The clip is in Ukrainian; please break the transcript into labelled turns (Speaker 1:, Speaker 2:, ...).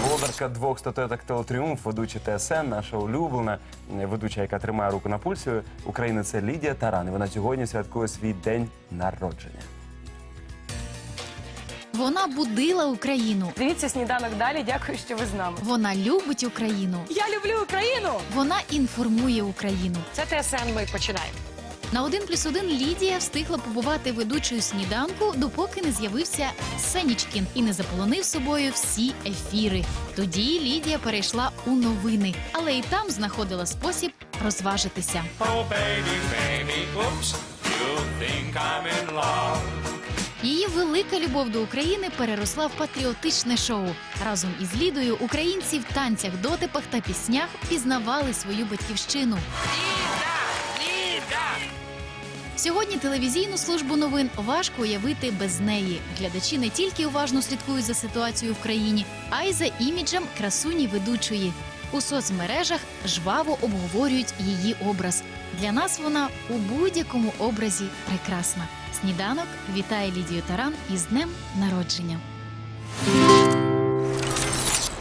Speaker 1: Володарка 2 статуеток «Телетріумф», ведуча ТСН, наша улюблена ведуча, яка тримає руку на пульсі України, це Лідія Таран. І вона сьогодні святкує свій день народження.
Speaker 2: Вона будила Україну.
Speaker 3: Дивіться «Сніданок» далі. Дякую, що ви з нами.
Speaker 2: Вона любить Україну.
Speaker 3: Я люблю Україну!
Speaker 2: Вона інформує Україну.
Speaker 3: Це ТСН, ми починаємо.
Speaker 2: На 1+1 Лідія встигла побувати ведучою «Сніданку», допоки не з'явився Сенічкін і не заполонив собою всі ефіри. Тоді Лідія перейшла у новини, але і там знаходила спосіб розважитися.
Speaker 4: Oh, baby, baby, oops, you think I'm in love.
Speaker 2: Її велика любов до України переросла в патріотичне шоу. Разом із Лідою українці в танцях, дотипах та піснях пізнавали свою батьківщину. Сьогодні телевізійну службу новин важко уявити без неї. Глядачі не тільки уважно слідкують за ситуацією в країні, а й за іміджем красуні ведучої. У соцмережах жваво обговорюють її образ. Для нас вона у будь-якому образі прекрасна. «Сніданок» вітає Лідію Таран із днем народження.